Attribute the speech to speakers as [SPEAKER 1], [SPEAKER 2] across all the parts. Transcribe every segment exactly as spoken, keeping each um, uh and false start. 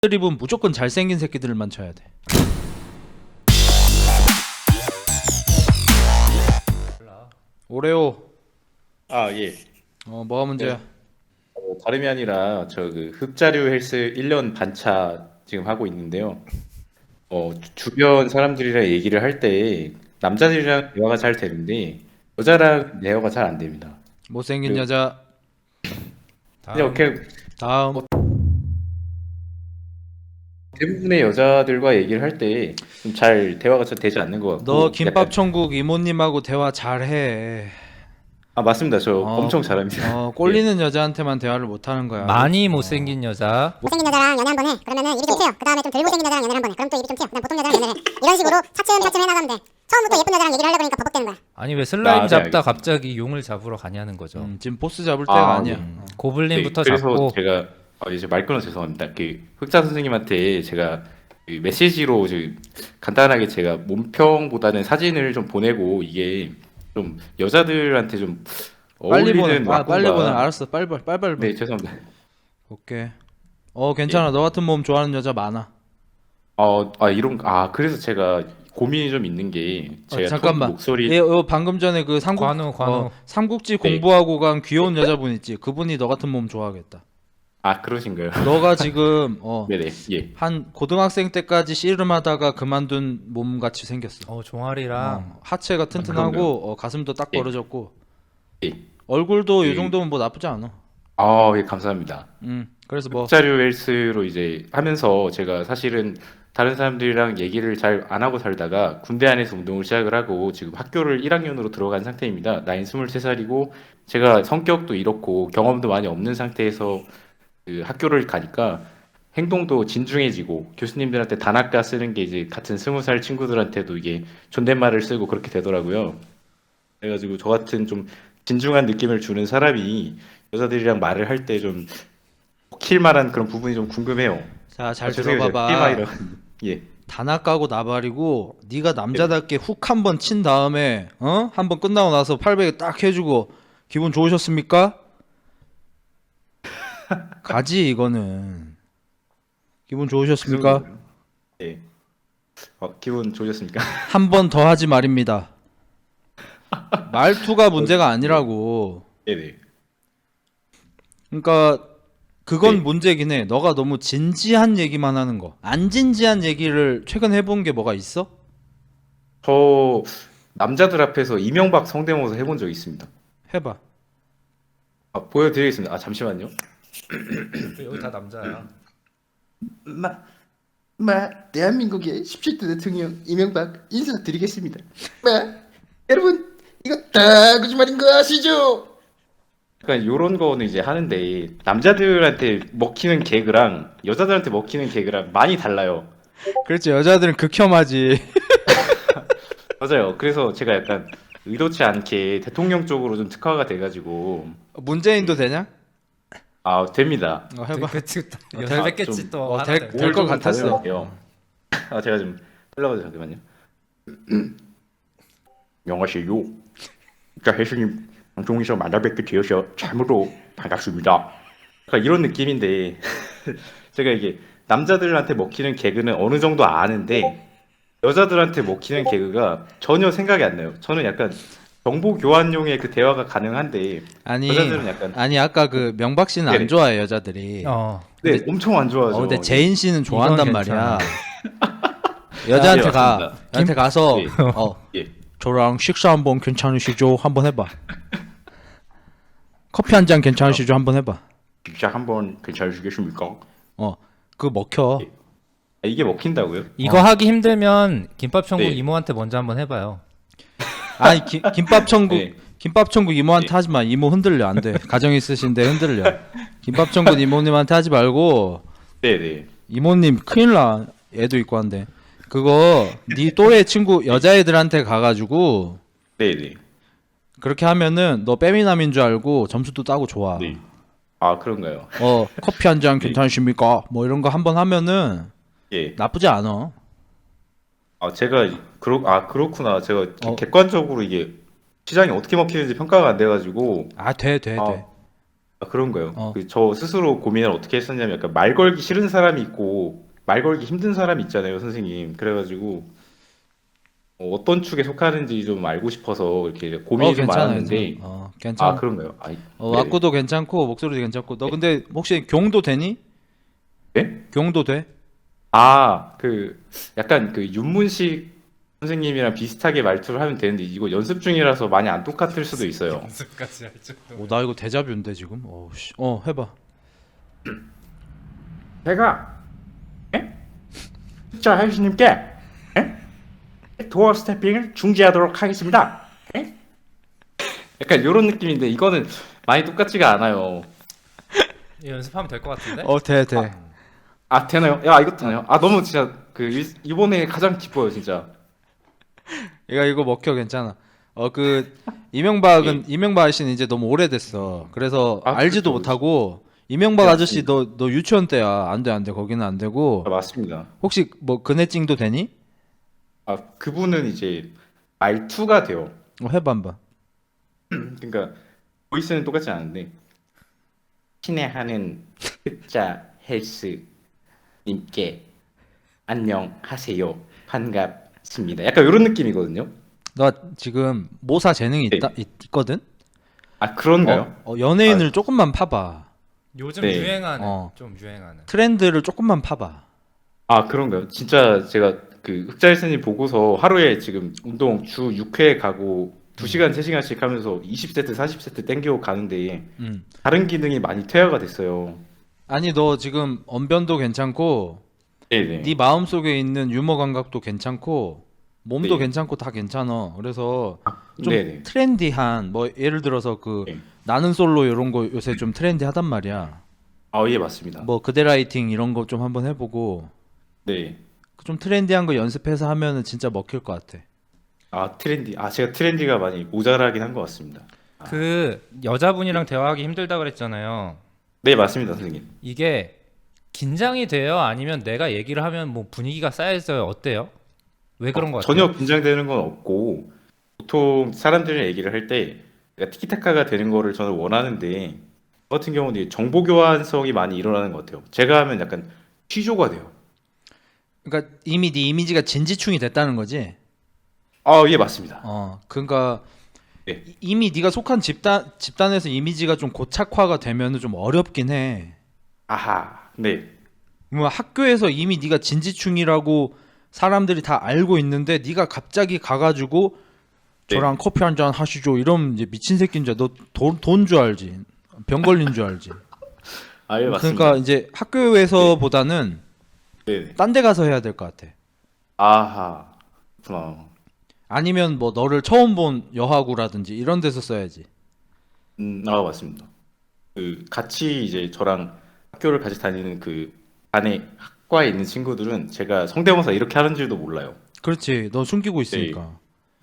[SPEAKER 1] 드립은 무조건 잘생긴 새끼들만 쳐야 돼. 오레오.
[SPEAKER 2] 아, 예.
[SPEAKER 1] 어, 뭐가 문제야?
[SPEAKER 2] 네. 어, 다름이 아니라 저 그 흑자류 헬스 일 년 반차 지금 하고 있는데요. 어, 주- 주변 사람들이랑 얘기를 할 때 남자들이랑 대화가 잘 되는데 여자랑 대화가 잘 안 됩니다.
[SPEAKER 1] 못생긴
[SPEAKER 2] 그리고
[SPEAKER 1] 여자.
[SPEAKER 2] 이렇게
[SPEAKER 1] 다음.
[SPEAKER 2] 대부분의 여자들과 얘기를 할 때 좀 잘 대화가 잘 되지 않는 것
[SPEAKER 1] 너
[SPEAKER 2] 같고
[SPEAKER 1] 김밥
[SPEAKER 2] 약간
[SPEAKER 1] 천국 이모님하고 대화 잘해.
[SPEAKER 2] 아 맞습니다. 저
[SPEAKER 1] 어,
[SPEAKER 2] 엄청 잘합니다.
[SPEAKER 1] 어,
[SPEAKER 2] 예.
[SPEAKER 1] 꼴리는 여자한테만 대화를 못 하는 거야.
[SPEAKER 3] 많이 못생긴 여자.
[SPEAKER 4] 못생긴 여자랑 연애 한 번 해. 그러면은 입이 좀 트여. 그 다음에 좀 덜 못생긴 여자랑 연애 한 번 해. 그럼 또 입이 좀 트여. 그다음 보통 여자랑 연애를 해. 이런 식으로 차츰차츰 해나가면 돼. 처음부터 예쁜 여자랑 얘기를 하려고 그러니까 버벅대는 거야.
[SPEAKER 3] 아니 왜 슬라임
[SPEAKER 2] 아, 네,
[SPEAKER 3] 잡다
[SPEAKER 2] 알겠습니다.
[SPEAKER 3] 갑자기 용을 잡으러 가냐는 거죠.
[SPEAKER 1] 음, 지금 보스 잡을 때가
[SPEAKER 2] 아,
[SPEAKER 1] 아니야.
[SPEAKER 2] 네.
[SPEAKER 1] 어.
[SPEAKER 3] 고블린부터
[SPEAKER 2] 네, 그래서
[SPEAKER 3] 잡고.
[SPEAKER 2] 제가 어, 이제 말 끊어 죄송합니다. 그 흑자 선생님한테 제가 그 메시지로 이제 간단하게 제가 몸평보다는 사진을 좀 보내고 이게 좀 여자들한테 좀
[SPEAKER 1] 빨리 보내.
[SPEAKER 2] 어울리는
[SPEAKER 1] 아, 빨리
[SPEAKER 2] 와꾸가
[SPEAKER 1] 보내. 알았어. 빨리 빨리 빨리 빨리.
[SPEAKER 2] 네 죄송합니다.
[SPEAKER 1] 오케이. 어, 괜찮아. 너 같은 몸 좋아하는 여자 많아.
[SPEAKER 2] 어, 아 이런 아 그래서 제가 고민이 좀 있는 게
[SPEAKER 1] 어,
[SPEAKER 2] 제가 톤
[SPEAKER 1] 잠깐만.
[SPEAKER 2] 목소리
[SPEAKER 1] 예, 어, 방금 전에 그 삼국
[SPEAKER 3] 관우, 관우.
[SPEAKER 1] 어, 삼국지
[SPEAKER 2] 네.
[SPEAKER 1] 공부하고 간 귀여운 여자분 있지. 그분이 너 같은 몸 좋아하겠다.
[SPEAKER 2] 아 그러신가요?
[SPEAKER 1] 너가 지금 어,
[SPEAKER 2] 네네 예.
[SPEAKER 1] 한 고등학생 때까지 씨름하다가 그만둔 몸 같이 생겼어.
[SPEAKER 3] 어 종아리랑
[SPEAKER 1] 어, 하체가 튼튼하고
[SPEAKER 2] 그런가요?
[SPEAKER 1] 어, 가슴도 딱
[SPEAKER 2] 예.
[SPEAKER 1] 벌어졌고
[SPEAKER 2] 예.
[SPEAKER 1] 얼굴도 이
[SPEAKER 2] 예.
[SPEAKER 1] 정도면 뭐 나쁘지 않아.
[SPEAKER 2] 아, 예, 감사합니다.
[SPEAKER 1] 음, 그래서 뭐
[SPEAKER 2] 흑자류 헬스로 이제 하면서 제가 사실은 다른 사람들이랑 얘기를 잘 안 하고 살다가 군대 안에서 운동을 시작을 하고 지금 학교를 일 학년으로 들어간 상태입니다. 나이는 스물세 살이고 제가 성격도 이렇고 경험도 많이 없는 상태에서 그 학교를 가니까 행동도 진중해지고 교수님들한테 단아까 쓰는 게 이제 같은 스무 살 친구들한테도 이게 존댓말을 쓰고 그렇게 되더라고요. 그래가지고 저 같은 좀 진중한 느낌을 주는 사람이 여자들이랑 말을 할 때 좀 킬만한 그런 부분이 좀 궁금해요.
[SPEAKER 1] 자, 잘
[SPEAKER 2] 아, 죄송해요. 제가
[SPEAKER 1] 들어봐봐.
[SPEAKER 2] 티엠아이라. 예.
[SPEAKER 1] 단아 까고 나발이고 네가 남자답게 훅 한 번 친 다음에 어? 한 번 끝나고 나서 팔백에 딱 해주고 기분 좋으셨습니까? 가지 이거는. 기분
[SPEAKER 2] 그
[SPEAKER 1] 좋으셨습니까?
[SPEAKER 2] 정도요. 예. 어, 기분 좋으셨습니까?
[SPEAKER 1] 한 번 더 하지 말입니다. 말투가 문제가 아니라고.
[SPEAKER 2] 네네.
[SPEAKER 1] 그러니까 그건
[SPEAKER 2] 네.
[SPEAKER 1] 문제긴 해. 너가 너무 진지한 얘기만 하는 거. 안 진지한 얘기를 최근 해본 게 뭐가 있어?
[SPEAKER 2] 저 남자들 앞에서 이명박 성대모사 해본 적 있습니다.
[SPEAKER 1] 해봐.
[SPEAKER 2] 아, 보여드리겠습니다. 아, 잠시만요.
[SPEAKER 3] 여기 다 남자야.
[SPEAKER 2] 마, 마, 대한민국의 십칠 대 대통령 이명박 인사드리겠습니다. 마, 여러분, 이거 다 거짓말인 거 아시죠? 약간 요런 거는 이제 하는데 남자들한테 먹히는 개그랑 여자들한테 먹히는 개그랑 많이 달라요.
[SPEAKER 1] 그렇지. 여자들은 극혐하지.
[SPEAKER 2] 맞아요. 그래서 제가 약간 의도치 않게 대통령 쪽으로 좀 특화가 돼가지고
[SPEAKER 1] 문재인도 되냐?
[SPEAKER 2] 아 됩니다.
[SPEAKER 1] 어, 해봐.
[SPEAKER 3] 그치
[SPEAKER 1] 어,
[SPEAKER 3] 여자
[SPEAKER 1] 될-
[SPEAKER 3] 뺐겠지
[SPEAKER 2] 좀-
[SPEAKER 3] 또.
[SPEAKER 1] 어,
[SPEAKER 3] 하나
[SPEAKER 1] 될-
[SPEAKER 3] 되고.
[SPEAKER 1] 될 것 같았어.
[SPEAKER 2] 아 제가 좀 흘러가서 잠깐만요. 안녕하세요. 자 혜수님 방송에서 만나뵙게 되어서 참으로 반갑습니다. 약간 이런 느낌인데 제가 이게 남자들한테 먹히는 개그는 어느 정도 아는데 여자들한테 먹히는 개그가 전혀 생각이 안 나요. 저는 약간 정보 교환용의 그 대화가 가능한데
[SPEAKER 1] 아니,
[SPEAKER 2] 여자들은 약간
[SPEAKER 1] 아니 아까 그 명박 씨는 안
[SPEAKER 2] 네네.
[SPEAKER 1] 좋아해 여자들이.
[SPEAKER 3] 어.
[SPEAKER 2] 네 엄청 안 좋아하죠.
[SPEAKER 1] 어, 근데 제인 씨는 좋아한단
[SPEAKER 3] 이건
[SPEAKER 1] 말이야.
[SPEAKER 3] 괜찮아.
[SPEAKER 1] 여자한테
[SPEAKER 2] 네,
[SPEAKER 1] 가.
[SPEAKER 2] 맞습니다.
[SPEAKER 1] 여한테 가서
[SPEAKER 2] 네.
[SPEAKER 1] 어,
[SPEAKER 2] 예.
[SPEAKER 1] 저랑 식사 한번 괜찮으시죠? 한번 해봐. 커피 한 잔 괜찮으시죠? 한번 해봐.
[SPEAKER 2] 진짜 한번 괜찮으시겠습니까?
[SPEAKER 1] 어, 그거 먹혀.
[SPEAKER 2] 예. 아, 이게 먹힌다고요?
[SPEAKER 3] 이거 하기 힘들면 김밥 천국
[SPEAKER 2] 네.
[SPEAKER 3] 이모한테 먼저 한번 해봐요.
[SPEAKER 1] 아니 기, 김밥 천국
[SPEAKER 2] 네.
[SPEAKER 1] 김밥 천국 이모한테
[SPEAKER 2] 네.
[SPEAKER 1] 하지 마. 이모 흔들려 안 돼. 가정 있으신데 흔들려. 김밥 천국 이모님한테 하지 말고
[SPEAKER 2] 네네.
[SPEAKER 1] 이모님 큰일 나. 애도 있고 한데. 그거 네 또래 친구 여자애들한테 가가지고
[SPEAKER 2] 네네.
[SPEAKER 1] 그렇게 하면은 너 빼미남인 줄 알고 점수도 따고 좋아.
[SPEAKER 2] 네. 아 그런가요?
[SPEAKER 1] 어 커피 한 잔
[SPEAKER 2] 네.
[SPEAKER 1] 괜찮으십니까? 뭐 이런 거 한번 하면은
[SPEAKER 2] 예.
[SPEAKER 1] 나쁘지 않아.
[SPEAKER 2] 아 제가 그렇 아 그렇구나. 제가
[SPEAKER 1] 어.
[SPEAKER 2] 객관적으로 이게 시장이 어떻게 먹히는지 평가가 안 돼가지고
[SPEAKER 1] 아 돼 돼 돼.
[SPEAKER 2] 아, 아, 그런 거요.
[SPEAKER 1] 어.
[SPEAKER 2] 그 저 스스로 고민을 어떻게 했었냐면 약간 말 걸기 싫은 사람이 있고 말 걸기 힘든 사람이 있잖아요, 선생님. 그래가지고 어, 어떤 축에 속하는지 좀 알고 싶어서 이렇게 고민이
[SPEAKER 1] 어
[SPEAKER 2] 좀
[SPEAKER 1] 괜찮아
[SPEAKER 2] 많았는데
[SPEAKER 1] 괜찮아. 어 괜찮아.
[SPEAKER 2] 아 그런가요? 아,
[SPEAKER 1] 어
[SPEAKER 2] 네.
[SPEAKER 1] 악구도 괜찮고 목소리도 괜찮고. 너 근데 혹시 경도 되니?
[SPEAKER 2] 네?
[SPEAKER 1] 경도 돼?
[SPEAKER 2] 아, 그 약간 그 윤문식 선생님이랑 비슷하게 말투를 하면 되는데 이거 연습 중이라서 많이 안 똑같을 수도 있어요.
[SPEAKER 3] 연습까지 할 정도.
[SPEAKER 1] 오, 나 이거 데자뷰인데 지금. 어 씨. 어 해봐.
[SPEAKER 2] 제가 예? 자 혜수님께 예? 도어 스태핑을 중지하도록 하겠습니다. 예? 약간 이런 느낌인데 이거는 많이 똑같지가 않아요.
[SPEAKER 3] 이거 연습하면 될 것 같은데?
[SPEAKER 1] 어 돼 돼.
[SPEAKER 2] 아 되나요? 야 이거 되나요? 아 너무 진짜 그 일- 이번에 가장 기뻐요 진짜.
[SPEAKER 1] 이거 이거 먹혀 괜찮아. 어 그 이명박은 이명박 씨는 이제 너무 오래됐어. 그래서
[SPEAKER 2] 아,
[SPEAKER 1] 알지도
[SPEAKER 2] 그렇죠.
[SPEAKER 1] 못하고 이명박
[SPEAKER 2] 네,
[SPEAKER 1] 아저씨 너 너 유치원 때야. 안 돼 안 돼. 거기는 안 되고.
[SPEAKER 2] 아, 맞습니다.
[SPEAKER 1] 혹시 뭐 근해찡도 되니?
[SPEAKER 2] 아 그분은 이제 말투가 돼요.
[SPEAKER 1] 어 해봐 한번.
[SPEAKER 2] 그러니까 보이스는 똑같지 않은데 친애하는 흑자 헬스 님께 안녕하세요 반갑습니다. 약간 이런 느낌이거든요.
[SPEAKER 1] 너 지금 모사 재능이
[SPEAKER 2] 네.
[SPEAKER 1] 있다 있, 있거든?
[SPEAKER 2] 아 그런가요?
[SPEAKER 1] 어, 어, 연예인을 조금만 파봐.
[SPEAKER 3] 요즘
[SPEAKER 2] 네.
[SPEAKER 3] 유행하는
[SPEAKER 1] 어.
[SPEAKER 3] 좀 유행하는.
[SPEAKER 1] 트렌드를 조금만 파봐.
[SPEAKER 2] 아 그런가요? 진짜 제가 그 흑자 헬스님 보고서 하루에 지금 운동 주 육 회 가고 두 시간 세 시간씩 하면서 이십 세트 사십 세트 땡겨 가는데
[SPEAKER 1] 음.
[SPEAKER 2] 다른 기능이 많이 퇴화가 됐어요.
[SPEAKER 1] 아니 너 지금 언변도 괜찮고
[SPEAKER 2] 네네.
[SPEAKER 1] 네 마음속에 있는 유머 감각도 괜찮고 몸도
[SPEAKER 2] 네.
[SPEAKER 1] 괜찮고 다 괜찮아. 그래서 좀
[SPEAKER 2] 네네.
[SPEAKER 1] 트렌디한 뭐 예를 들어서 그
[SPEAKER 2] 네.
[SPEAKER 1] 나는 솔로 이런 거 요새 좀 트렌디하단 말이야.
[SPEAKER 2] 아 예 맞습니다.
[SPEAKER 1] 뭐 그대 라이팅 이런 거 좀 한번 해보고
[SPEAKER 2] 네.
[SPEAKER 1] 좀 트렌디한 거 연습해서 하면은 진짜 먹힐 것 같아.
[SPEAKER 2] 아 트렌디. 아 제가 트렌디가 많이 모자라긴 한 것 같습니다.
[SPEAKER 3] 그 여자분이랑 대화하기 힘들다 그랬잖아요.
[SPEAKER 2] 네 맞습니다 선생님.
[SPEAKER 3] 이게 긴장이 돼요? 아니면 내가 얘기를 하면 뭐 분위기가 쌓여져요? 어때요? 왜 그런 거 같아요?
[SPEAKER 2] 전혀 긴장되는 건 없고 보통 사람들이랑 얘기를 할 때 티키타카가 되는 거를 저는 원하는데 저 같은 경우는 이제 정보 교환성이 많이 일어나는 것 같아요. 제가 하면 약간 취조가 돼요.
[SPEAKER 1] 그러니까 이미 네 이미지가 진지충이 됐다는 거지.
[SPEAKER 2] 아 예 맞습니다.
[SPEAKER 1] 어, 그러니까
[SPEAKER 2] 네.
[SPEAKER 1] 이- 이미 네가 속한 집단 집단에서 이미지가 좀 고착화가 되면은 좀 어렵긴 해.
[SPEAKER 2] 아하 네.
[SPEAKER 1] 뭐 학교에서 이미 네가 진지충이라고 사람들이 다 알고 있는데 네가 갑자기 가가지고
[SPEAKER 2] 네.
[SPEAKER 1] 저랑 커피 한 잔 하시죠 이러면 이제 미친 새끼인 줄. 너돈 줄 알지. 병 걸린 줄 알지.
[SPEAKER 2] 아 예 맞습니다.
[SPEAKER 1] 그러니까 이제 학교에서보다는
[SPEAKER 2] 네.
[SPEAKER 1] 딴 데 가서 해야 될 것 같아.
[SPEAKER 2] 아하 그렇구나.
[SPEAKER 1] 아니면 뭐 너를 처음 본 여하구라든지 이런 데서 써야지.
[SPEAKER 2] 음, 아 맞습니다. 그 같이 이제 저랑 학교를 같이 다니는 그 반에 학과에 있는 친구들은 제가 성대모사 이렇게 하는 줄도 몰라요.
[SPEAKER 1] 그렇지. 너 숨기고 있으니까.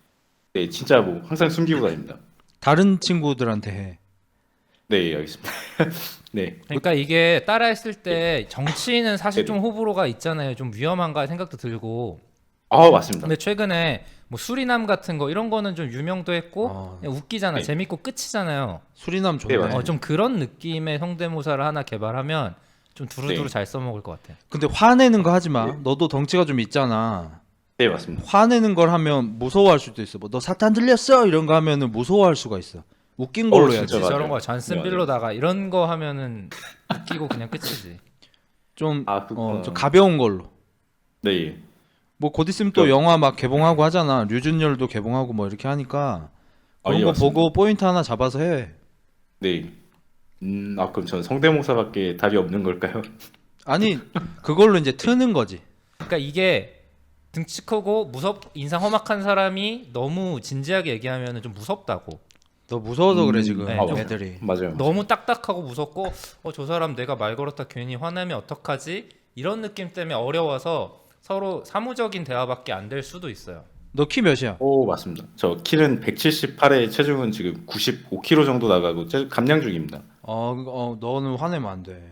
[SPEAKER 2] 네, 진짜 뭐 항상 숨기고 다닙니다.
[SPEAKER 1] 다른 친구들한테 해.
[SPEAKER 2] 네, 알겠습니다. 네,
[SPEAKER 3] 그러니까 이게 따라했을 때 정치인은 사실
[SPEAKER 2] 네네.
[SPEAKER 3] 좀 호불호가 있잖아요. 좀 위험한가 생각도 들고.
[SPEAKER 2] 아 맞습니다.
[SPEAKER 3] 근데 최근에 뭐 수리남 같은 거 이런 거는 좀 유명도 했고
[SPEAKER 1] 어.
[SPEAKER 3] 그냥 웃기잖아.
[SPEAKER 2] 네.
[SPEAKER 3] 재밌고 끝이잖아요.
[SPEAKER 1] 수리남 좋네.
[SPEAKER 2] 네, 맞아요.
[SPEAKER 3] 어, 좀 그런 느낌의 성대모사를 하나 개발하면 좀 두루두루
[SPEAKER 2] 네.
[SPEAKER 3] 잘 써먹을 것 같아.
[SPEAKER 1] 근데 화내는 거 하지 마.
[SPEAKER 2] 네.
[SPEAKER 1] 너도 덩치가 좀 있잖아.
[SPEAKER 2] 네, 맞습니다.
[SPEAKER 1] 화내는 걸 하면 무서워할 수도 있어. 뭐 너 사탄 들렸어 이런 거 하면은 무서워할 수가 있어. 웃긴 걸로
[SPEAKER 2] 어,
[SPEAKER 1] 해야지.
[SPEAKER 2] 진짜 맞아요.
[SPEAKER 3] 저런 거 잔슨
[SPEAKER 2] 네, 맞아요.
[SPEAKER 3] 빌로다가 이런 거 하면은 웃기고 그냥 끝이지.
[SPEAKER 1] 좀,
[SPEAKER 2] 아, 그렇구나.
[SPEAKER 1] 어, 좀 가벼운 걸로.
[SPEAKER 2] 네,
[SPEAKER 1] 뭐 곧 있으면 또
[SPEAKER 2] 그-
[SPEAKER 1] 영화 막 개봉하고 하잖아. 류준열도 개봉하고 뭐 이렇게 하니까
[SPEAKER 2] 아,
[SPEAKER 1] 그런
[SPEAKER 2] 예,
[SPEAKER 1] 거
[SPEAKER 2] 맞습니다.
[SPEAKER 1] 보고 포인트 하나 잡아서 해.
[SPEAKER 2] 네. 음, 아 그럼 저는 성대모사밖에 답이 없는 걸까요?
[SPEAKER 1] 아니 그걸로 이제 트는 거지.
[SPEAKER 3] 그러니까 이게 등치 크고 무섭 인상 험악한 사람이 너무 진지하게 얘기하면은 좀 무섭다고.
[SPEAKER 1] 너 무서워서 그래
[SPEAKER 2] 음,
[SPEAKER 1] 지금
[SPEAKER 3] 네,
[SPEAKER 2] 좀-
[SPEAKER 1] 애들이.
[SPEAKER 2] 맞아요.
[SPEAKER 3] 너무 딱딱하고 무섭고 어 저 사람 내가 말 걸었다 괜히 화내면 어떡하지? 이런 느낌 때문에 어려워서 서로 사무적인 대화밖에 안 될 수도 있어요.
[SPEAKER 1] 너 키 몇이야?
[SPEAKER 2] 오 맞습니다. 저 키는 백칠십팔에 체중은 지금 구십오 킬로그램 정도 나가고 체- 감량 중입니다.
[SPEAKER 1] 어, 어 너는 화내면 안 돼.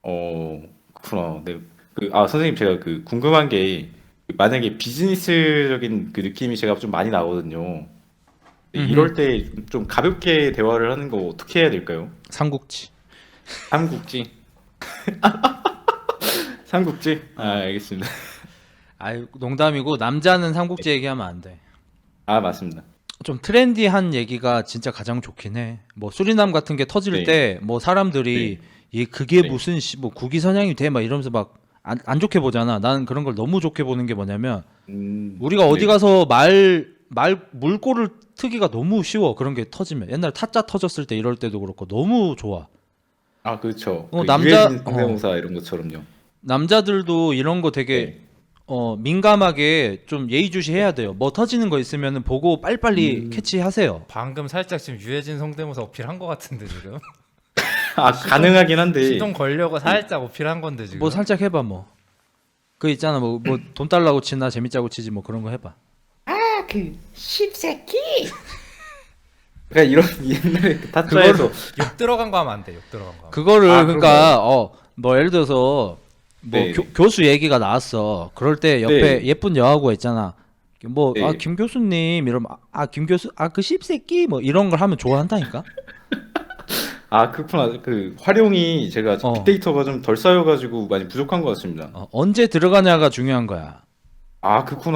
[SPEAKER 2] 어 그렇구나. 네. 그, 아 선생님 제가 그 궁금한 게 만약에 비즈니스적인 그 느낌이 제가 좀 많이 나거든요. 네,
[SPEAKER 1] 음흠.
[SPEAKER 2] 이럴 때 좀 가볍게 대화를 하는 거 어떻게 해야 될까요?
[SPEAKER 1] 삼국지.
[SPEAKER 2] 삼국지. 삼국지. 아, 알겠습니다.
[SPEAKER 1] 아이 농담이고 남자는 삼국지 얘기하면 안 돼.
[SPEAKER 2] 아, 맞습니다.
[SPEAKER 1] 좀 트렌디한 얘기가 진짜 가장 좋긴 해. 뭐 수리남 같은 게 터질
[SPEAKER 2] 네.
[SPEAKER 1] 때 뭐 사람들이 이 그게
[SPEAKER 2] 네.
[SPEAKER 1] 무슨 씨, 뭐 국위선양이 돼 막 이러면서 막 안 안 좋게 보잖아. 나는 그런 걸 너무 좋게 보는 게 뭐냐면
[SPEAKER 2] 음,
[SPEAKER 1] 우리가 어디
[SPEAKER 2] 네.
[SPEAKER 1] 가서 말 말 물꼬를 트기가 너무 쉬워. 그런 게 터지면 옛날 타짜 터졌을 때 이럴 때도 그렇고 너무 좋아.
[SPEAKER 2] 아, 그렇죠.
[SPEAKER 1] 어,
[SPEAKER 2] 그
[SPEAKER 1] 남자-
[SPEAKER 2] 유해진 성대모사 이런 것처럼요.
[SPEAKER 1] 남자들도 이런 거 되게
[SPEAKER 2] 네.
[SPEAKER 1] 어 민감하게 좀 예의주시해야 돼요. 뭐 터지는 거 있으면은 보고 빨리빨리
[SPEAKER 2] 음.
[SPEAKER 1] 캐치하세요.
[SPEAKER 3] 방금 살짝 지금 유해진 성대모사 어필한 것 같은데 지금.
[SPEAKER 2] 아, 가능하긴 한데.
[SPEAKER 3] 시동 걸려고 살짝 어필한 건데 지금.
[SPEAKER 1] 뭐 살짝 해봐 뭐. 그 있잖아 뭐 뭐 돈 달라고 치나 재밌자고 치지 뭐 그런 거 해봐.
[SPEAKER 2] 그 십새끼. 그러니까 이런 옛날에 그 타짜에서
[SPEAKER 3] 욕 들어간 거 하면 안 돼. 욕 들어간 거. 하면.
[SPEAKER 1] 그거를
[SPEAKER 2] 아,
[SPEAKER 1] 그러니까 어 뭐 예를 들어서 뭐
[SPEAKER 2] 네.
[SPEAKER 1] 교, 교수 얘기가 나왔어. 그럴 때 옆에
[SPEAKER 2] 네.
[SPEAKER 1] 예쁜 여하고 있잖아. 뭐
[SPEAKER 2] 네.
[SPEAKER 1] 아 김 교수님 이러면 아 김 교수 아 그 씹새끼 뭐 이런 걸 하면 좋아한다니까.
[SPEAKER 2] 아, 그렇구나. 그 활용이 제가
[SPEAKER 1] 어.
[SPEAKER 2] 빅데이터가 좀 덜 쌓여가지고 많이 부족한 것 같습니다.
[SPEAKER 1] 어, 언제 들어가냐가 중요한 거야.
[SPEAKER 2] 아, 그렇구나.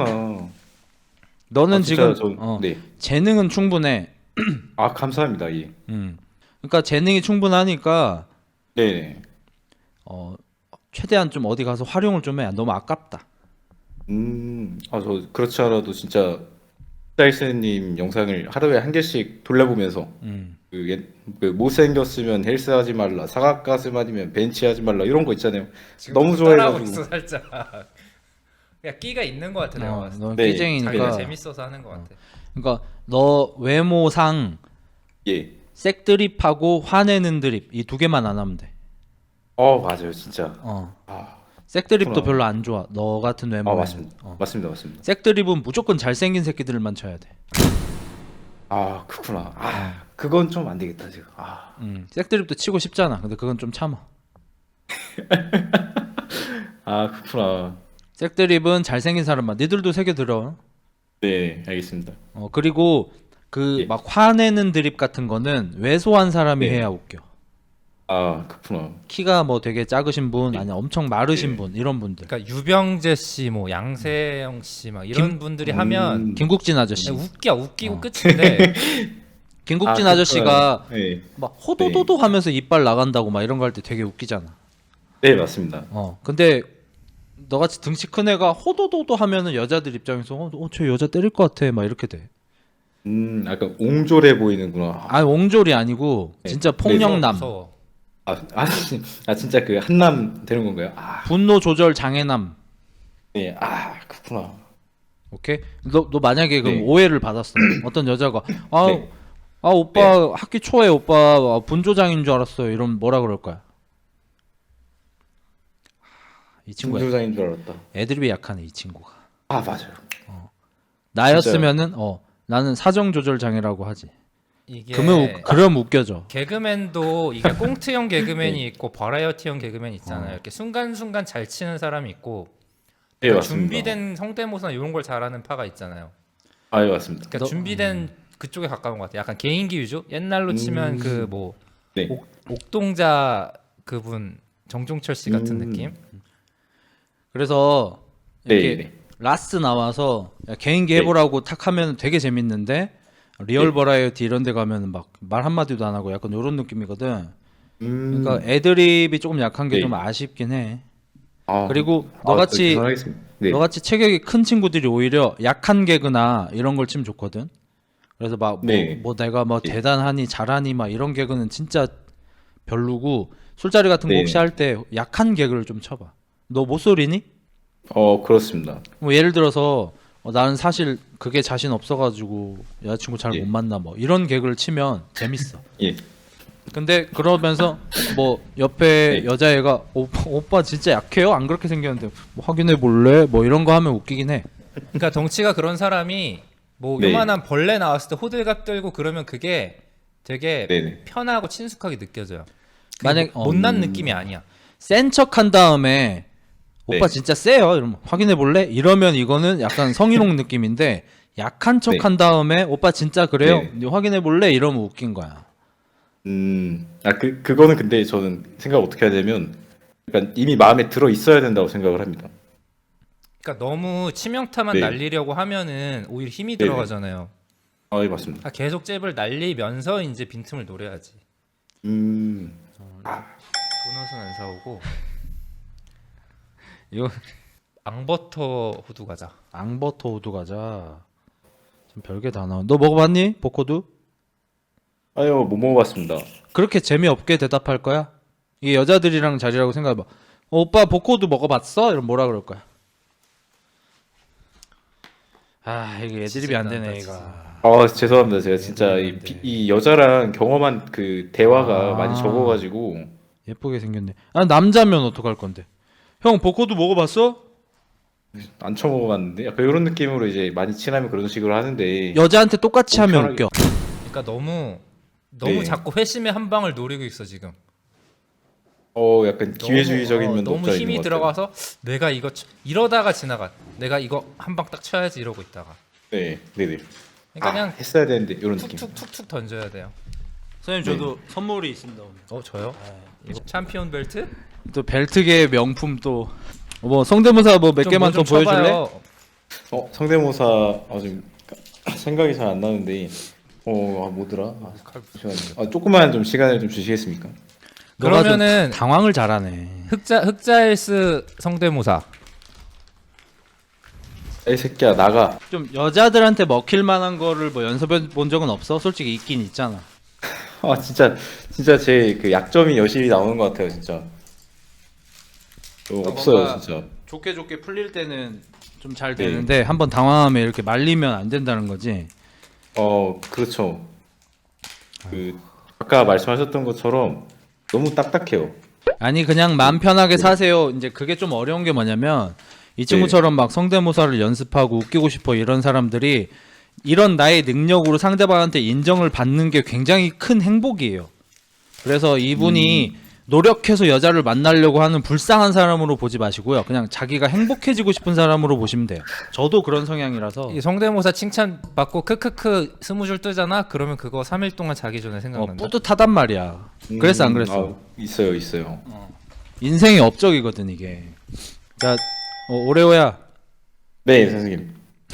[SPEAKER 1] 너는
[SPEAKER 2] 아, 진짜
[SPEAKER 1] 지금
[SPEAKER 2] 저-
[SPEAKER 1] 어,
[SPEAKER 2] 네.
[SPEAKER 1] 재능은 충분해.
[SPEAKER 2] 아, 감사합니다. 예.
[SPEAKER 1] 음. 그러니까 재능이 충분하니까
[SPEAKER 2] 네.
[SPEAKER 1] 어 최대한 좀 어디 가서 활용을 좀 해. 너무 아깝다.
[SPEAKER 2] 음, 아, 저 그렇지 않아도 진짜 짤스님 영상을 하루에 한 개씩 돌려보면서
[SPEAKER 1] 음.
[SPEAKER 2] 그, 옛, 그 못생겼으면 헬스 하지 말라, 사각가슴 아니면 벤치 하지 말라 이런 거 있잖아요.
[SPEAKER 3] 지금
[SPEAKER 2] 너무
[SPEAKER 3] 좀 따라하고
[SPEAKER 2] 좋아해가지고.
[SPEAKER 3] 있어 살짝. 그냥 끼가 있는 것 같아 내가
[SPEAKER 1] 어,
[SPEAKER 3] 봤을 때.
[SPEAKER 1] 너
[SPEAKER 2] 네.
[SPEAKER 1] 끼쟁이니까.
[SPEAKER 3] 자기가 재밌어서 하는 것 같아.
[SPEAKER 1] 그러니까 너 외모상
[SPEAKER 2] 예.
[SPEAKER 1] 색드립하고 화내는 드립 이 두 개만 안 하면 돼.
[SPEAKER 2] 어, 맞아요, 진짜.
[SPEAKER 1] 어.
[SPEAKER 2] 아,
[SPEAKER 1] 색드립도
[SPEAKER 2] 그렇구나.
[SPEAKER 1] 별로 안 좋아. 너 같은
[SPEAKER 2] 아,
[SPEAKER 1] 외모면.
[SPEAKER 2] 맞습니다.
[SPEAKER 1] 어.
[SPEAKER 2] 맞습니다, 맞습니다.
[SPEAKER 1] 색드립은 무조건 잘생긴 새끼들만 쳐야 돼.
[SPEAKER 2] 아, 그렇구나. 아, 그건 좀 안 되겠다 지금. 아,
[SPEAKER 1] 음. 색드립도 치고 싶잖아. 근데 그건 좀 참아.
[SPEAKER 2] 아, 그렇구나.
[SPEAKER 1] 색드립은 잘생긴 사람만. 니들도 새겨 들어.
[SPEAKER 2] 네, 알겠습니다.
[SPEAKER 1] 어 그리고 그
[SPEAKER 2] 예.
[SPEAKER 1] 막 화내는 드립 같은 거는 왜소한 사람이
[SPEAKER 2] 네.
[SPEAKER 1] 해야 웃겨.
[SPEAKER 2] 아, 그렇구나.
[SPEAKER 1] 키가 뭐 되게 작으신 분, 아니 엄청 마르신
[SPEAKER 2] 네.
[SPEAKER 1] 분 이런 분들.
[SPEAKER 3] 그러니까 유병재 씨, 뭐 양세형 씨 막 이런
[SPEAKER 1] 김-
[SPEAKER 3] 분들이
[SPEAKER 2] 음.
[SPEAKER 3] 하면
[SPEAKER 1] 김국진 아저씨.
[SPEAKER 3] 그냥 웃겨 웃기고
[SPEAKER 1] 어.
[SPEAKER 3] 끝인데
[SPEAKER 1] 김국진
[SPEAKER 2] 아,
[SPEAKER 1] 아, 저씨가
[SPEAKER 2] 그렇구나. 네,
[SPEAKER 1] 막 호도도도 하면서 이빨 나간다고 막 이런 거 할 때 되게 웃기잖아.
[SPEAKER 2] 네, 맞습니다.
[SPEAKER 1] 어. 근데 너같이 등치 큰 애가 호도도도 하면은 여자들 입장에서 어, 어, 저 여자 때릴 것 같아 막 이렇게 돼.
[SPEAKER 2] 음, 약간 옹졸해 보이는구나.
[SPEAKER 1] 아 옹졸이 아니고
[SPEAKER 2] 네.
[SPEAKER 1] 진짜
[SPEAKER 2] 네.
[SPEAKER 1] 폭력남,
[SPEAKER 3] 무서워.
[SPEAKER 2] 아, 아, 진- 아 진짜 그 한남 되는 건가요? 아,
[SPEAKER 1] 분노 조절 장애남.
[SPEAKER 2] 네, 아, 그렇구나.
[SPEAKER 1] 오케이? 너, 너 만약에 그럼
[SPEAKER 2] 네.
[SPEAKER 1] 오해를 받았어. 어떤 여자가 아,
[SPEAKER 2] 네.
[SPEAKER 1] 아 오빠 학기 초에 오빠 아, 분조장인 줄 알았어요. 이러면 뭐라 그럴 거야? 이 친구야.
[SPEAKER 2] 중조장인 줄 알았다.
[SPEAKER 1] 애드립이 약하네 이 친구가.
[SPEAKER 2] 아, 맞아요.
[SPEAKER 1] 나였으면은 어 나는 사정 조절 장애라고 하지.
[SPEAKER 3] 이게
[SPEAKER 1] 그러면 우- 그럼 웃겨져.
[SPEAKER 3] 개그맨도 이게 꽁트형 개그맨이
[SPEAKER 2] 네.
[SPEAKER 3] 있고 버라이어티형 개그맨 있잖아요.
[SPEAKER 1] 어.
[SPEAKER 3] 이렇게 순간순간 잘 치는 사람이 있고
[SPEAKER 2] 네,
[SPEAKER 3] 그러니까
[SPEAKER 2] 맞습니다.
[SPEAKER 3] 준비된 성대모사 이런 걸 잘하는 파가 있잖아요.
[SPEAKER 2] 아, 예, 맞습니다.
[SPEAKER 3] 그러니까
[SPEAKER 1] 너-
[SPEAKER 3] 준비된 그쪽에 가까운 것 같아요. 약간 개인기 위주? 옛날로 치면
[SPEAKER 2] 음.
[SPEAKER 3] 그 뭐
[SPEAKER 2] 네.
[SPEAKER 3] 옥동자 그분 정종철 씨 같은
[SPEAKER 2] 음.
[SPEAKER 3] 느낌?
[SPEAKER 1] 그래서
[SPEAKER 2] 네,
[SPEAKER 1] 이렇게
[SPEAKER 2] 네.
[SPEAKER 1] 라스 나와서 야, 개인기
[SPEAKER 2] 네.
[SPEAKER 1] 해보라고 탁 하면 되게 재밌는데 리얼
[SPEAKER 2] 네.
[SPEAKER 1] 버라이어티 이런 데 가면 막 말 한마디도 안 하고 약간 이런 느낌이거든.
[SPEAKER 2] 음.
[SPEAKER 1] 그러니까 애드립이 조금 약한 게
[SPEAKER 2] 네.
[SPEAKER 1] 좀 아쉽긴 해.
[SPEAKER 2] 아,
[SPEAKER 1] 그리고
[SPEAKER 2] 아,
[SPEAKER 1] 너같이
[SPEAKER 2] 계산하겠습니다. 네.
[SPEAKER 1] 너같이 체격이 큰 친구들이 오히려 약한 개그나 이런 걸 치면 좋거든. 그래서 막 뭐
[SPEAKER 2] 네.
[SPEAKER 1] 뭐 내가 뭐
[SPEAKER 2] 네.
[SPEAKER 1] 대단하니 잘하니 막 이런 개그는 진짜 별로고 술자리 같은 거
[SPEAKER 2] 네.
[SPEAKER 1] 혹시 할 때 약한 개그를 좀 쳐봐. 너 모쏠이니?
[SPEAKER 2] 어, 그렇습니다.
[SPEAKER 1] 뭐 예를 들어서 어, 나는 사실 그게 자신 없어가지고 여자친구 잘 못
[SPEAKER 2] 예.
[SPEAKER 1] 만나 뭐 이런 개그를 치면 재밌어.
[SPEAKER 2] 예.
[SPEAKER 1] 근데 그러면서 뭐 옆에
[SPEAKER 2] 네.
[SPEAKER 1] 여자애가 오빠, 오빠 진짜 약해요? 안 그렇게 생겼는데 뭐 확인해 볼래? 뭐 이런 거 하면 웃기긴 해.
[SPEAKER 3] 그러니까 덩치가 그런 사람이 뭐
[SPEAKER 2] 네.
[SPEAKER 3] 요만한 벌레 나왔을 때 호들갑 떨고 그러면 그게 되게
[SPEAKER 2] 네네.
[SPEAKER 3] 편하고 친숙하게 느껴져요.
[SPEAKER 1] 만약
[SPEAKER 3] 뭐 못난
[SPEAKER 2] 음.
[SPEAKER 3] 느낌이 아니야.
[SPEAKER 1] 센 척 한 다음에 오빠
[SPEAKER 2] 네.
[SPEAKER 1] 진짜 세요. 이러면 확인해 볼래? 이러면 이거는 약간 성희롱 느낌인데 약한 척
[SPEAKER 2] 네.
[SPEAKER 1] 한 다음에 오빠 진짜 그래요?
[SPEAKER 2] 네.
[SPEAKER 1] 네, 확인해 볼래? 이러면 웃긴 거야.
[SPEAKER 2] 음, 아, 그, 그거는 근데 저는 생각 어떻게 하냐면, 약간 이미 마음에 들어 있어야 된다고 생각을 합니다.
[SPEAKER 3] 그러니까 너무 치명타만
[SPEAKER 2] 네.
[SPEAKER 3] 날리려고 하면은 오히려 힘이
[SPEAKER 2] 네네.
[SPEAKER 3] 들어가잖아요.
[SPEAKER 2] 아, 예, 맞습니다.
[SPEAKER 3] 아, 계속 잽을 날리면서 이제 빈틈을 노려야지.
[SPEAKER 2] 음,
[SPEAKER 3] 도넛은 안 사오고
[SPEAKER 1] 이거
[SPEAKER 3] 앙버터 호두 과자.
[SPEAKER 1] 앙버터 우두 과자. 좀 별게 다 나와. 너 먹어봤니? 보코두?
[SPEAKER 2] 아유, 못 먹어봤습니다.
[SPEAKER 1] 그렇게 재미없게 대답할 거야? 이게 여자들이랑 자리라고 생각해봐. 어, 오빠 보코두 먹어봤어? 이러면 뭐라 그럴 거야? 아 이게 애드립이 안 되네
[SPEAKER 3] 지진난다,
[SPEAKER 1] 얘가.
[SPEAKER 2] 아, 죄송합니다. 제가 진짜 이,
[SPEAKER 1] 네.
[SPEAKER 2] 비- 이 여자랑 경험한 그 대화가
[SPEAKER 1] 아.
[SPEAKER 2] 많이 적어가지고,
[SPEAKER 1] 예쁘게 생겼네. 아 남자면 어떡할 건데? 형 보코두 먹어봤어?
[SPEAKER 2] 안 처먹어봤는데, 약간 이런 느낌으로 이제 많이 친하면 그런 식으로 하는데,
[SPEAKER 1] 여자한테 똑같이
[SPEAKER 2] 너무
[SPEAKER 1] 하면
[SPEAKER 2] 편하게-
[SPEAKER 1] 웃겨.
[SPEAKER 3] 그러니까 너무 너무
[SPEAKER 2] 네.
[SPEAKER 3] 자꾸 회심의 한 방을 노리고 있어 지금.
[SPEAKER 2] 어, 약간 기회주의적인
[SPEAKER 3] 너무, 어,
[SPEAKER 2] 면도
[SPEAKER 3] 너무
[SPEAKER 2] 없지 않아
[SPEAKER 3] 힘이
[SPEAKER 2] 있는 것 같아요.
[SPEAKER 3] 들어가서 내가 이거 쳐- 이러다가 지나가. 내가 이거 한 방 딱 쳐야지 이러고 있다가.
[SPEAKER 2] 네, 네네.
[SPEAKER 3] 그러니까
[SPEAKER 2] 아,
[SPEAKER 3] 그냥
[SPEAKER 2] 했어야 되는데 이런 느낌.
[SPEAKER 3] 툭툭툭툭 던져야 돼요.
[SPEAKER 1] 선생님 저도 선물이 있습니다 오늘.
[SPEAKER 3] 어 저요? 이거 챔피언 벨트?
[SPEAKER 1] 또 벨트계 명품 또 뭐 성대모사 뭐 몇
[SPEAKER 3] 좀
[SPEAKER 1] 개만
[SPEAKER 3] 뭐
[SPEAKER 1] 더
[SPEAKER 3] 좀
[SPEAKER 1] 보여줄래?
[SPEAKER 3] 쳐봐요.
[SPEAKER 2] 어, 성대모사 아, 지금 생각이 잘 안 나는데, 어, 아, 뭐더라? 아, 잠시만요. 아, 조금만 좀 시간을 좀 주시겠습니까?
[SPEAKER 1] 너가 좀
[SPEAKER 3] 그러면은
[SPEAKER 1] 당황을 잘하네.
[SPEAKER 3] 흑자 흑자일스 성대모사.
[SPEAKER 2] 이 새끼야 나가.
[SPEAKER 1] 좀 여자들한테 먹힐 만한 거를 뭐 연습해 본 적은 없어? 솔직히 있긴 있잖아.
[SPEAKER 2] 아, 진짜 진짜 제 그 약점이 여실히 나오는 것 같아요, 진짜. 어, 없어요,
[SPEAKER 1] 뭔가-
[SPEAKER 2] 진짜.
[SPEAKER 1] 좋게 좋게 풀릴 때는 좀 잘
[SPEAKER 2] 네.
[SPEAKER 1] 되는데 한번 당황하면 이렇게 말리면 안 된다는 거지.
[SPEAKER 2] 어, 그렇죠. 그 아까 말씀하셨던 것처럼 너무 딱딱해요.
[SPEAKER 1] 아니 그냥 마음 편하게 사세요. 이제 그게 좀 어려운 게 뭐냐면 이 친구처럼 막 성대모사를 연습하고 웃기고 싶어 이런 사람들이 이런 나의 능력으로 상대방한테 인정을 받는 게 굉장히 큰 행복이에요. 그래서 이분이 노력해서 여자를 만나려고 하는 불쌍한 사람으로 보지 마시고요. 그냥 자기가 행복해지고 싶은 사람으로 보시면 돼요. 저도 그런 성향이라서
[SPEAKER 3] 이 성대모사 칭찬 받고 크크크 스무 줄 뜨잖아. 그러면 그거 삼 일 동안 자기 전에
[SPEAKER 1] 어,
[SPEAKER 3] 생각난다.
[SPEAKER 1] 뿌듯하단 말이야. 그랬어 안 그랬어?
[SPEAKER 2] 아, 있어요, 있어요.
[SPEAKER 1] 인생의 업적이거든 이게. 자, 어, 오레오야.
[SPEAKER 2] 네, 선생님.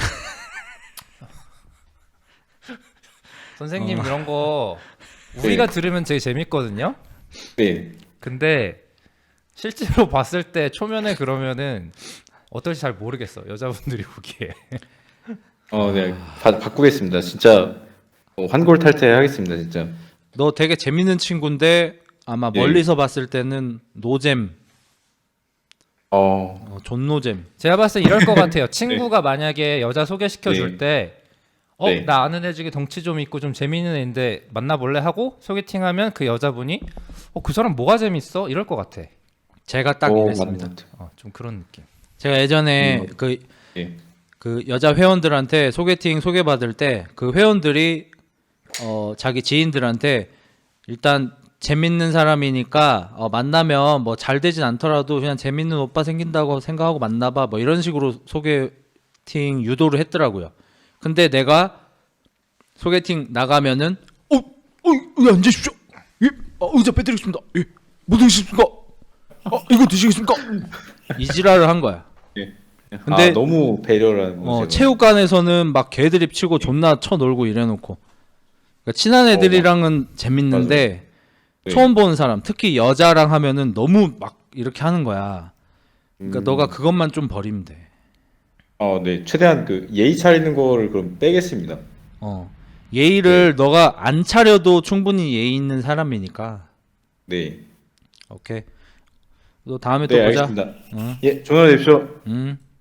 [SPEAKER 3] 선생님
[SPEAKER 1] 어.
[SPEAKER 3] 이런 거 우리가 들으면 되게 재밌거든요.
[SPEAKER 2] 네.
[SPEAKER 3] 근데 실제로 봤을 때 초면에 그러면은 어떨지 잘 모르겠어. 여자분들이 보기에.
[SPEAKER 2] 어, 네. 바, 바꾸겠습니다. 진짜 어, 환골 탈퇴하겠습니다, 진짜.
[SPEAKER 1] 너 되게 재밌는 친구인데 아마
[SPEAKER 2] 예.
[SPEAKER 1] 멀리서 봤을 때는 노잼,
[SPEAKER 2] 어,
[SPEAKER 1] 어, 존노잼.
[SPEAKER 3] 제가 봤을 때 이럴 것 같아요. 친구가 만약에 여자 소개시켜 줄
[SPEAKER 2] 네.
[SPEAKER 3] 때 어,
[SPEAKER 2] 네.
[SPEAKER 3] 나 아는 애 중에 덩치 좀 있고 좀 재미있는 애인데 만나볼래 하고 소개팅하면 그 여자분이 어, 그 사람 뭐가 재밌어? 이럴 것 같아.
[SPEAKER 1] 제가 딱
[SPEAKER 2] 어,
[SPEAKER 1] 이랬습니다.
[SPEAKER 2] 맞는 것 같아요.
[SPEAKER 3] 어, 좀 그런 느낌.
[SPEAKER 1] 제가 예전에
[SPEAKER 2] 음.
[SPEAKER 1] 그,
[SPEAKER 2] 예.
[SPEAKER 1] 그 여자 회원들한테 소개팅 소개받을 때 그 회원들이 어, 자기 지인들한테 일단 재밌는 사람이니까 어, 만나면 뭐 잘 되진 않더라도 그냥 재밌는 오빠 생긴다고 생각하고 만나봐 뭐 이런 식으로 소개팅 유도를 했더라고요. 근데 내가 소개팅 나가면은 어, 어, 여기 앉으십시오. 예, 어, 의자 빼드리겠습니다. 예, 뭐 드시겠습니까? 어, 이거 드시겠습니까? 이 지랄을 한 거야.
[SPEAKER 2] 예.
[SPEAKER 1] 근데-
[SPEAKER 2] 아, 너무 배려라는
[SPEAKER 1] 어,
[SPEAKER 2] 거죠.
[SPEAKER 1] 체육관에서는 막 개드립 치고 존나 쳐놀고 이래놓고 그러니까 친한 애들이랑은 재밌는데
[SPEAKER 2] 네.
[SPEAKER 1] 처음 보는 사람 특히 여자랑 하면은 너무 막 이렇게 하는 거야. 그러니까
[SPEAKER 2] 음.
[SPEAKER 1] 너가 그것만 좀 버리면 돼.
[SPEAKER 2] 어, 네. 최대한 그 예의 차리는 거를 그럼 빼겠습니다.
[SPEAKER 1] 어. 예의를 너가 안 차려도 충분히 예의 있는 사람이니까.
[SPEAKER 2] 네.
[SPEAKER 1] 오케이. 너 다음에 또
[SPEAKER 2] 네,
[SPEAKER 1] 보자.
[SPEAKER 2] 알겠습니다.
[SPEAKER 1] 응.
[SPEAKER 2] 예, 전화 주십시오.
[SPEAKER 1] 응.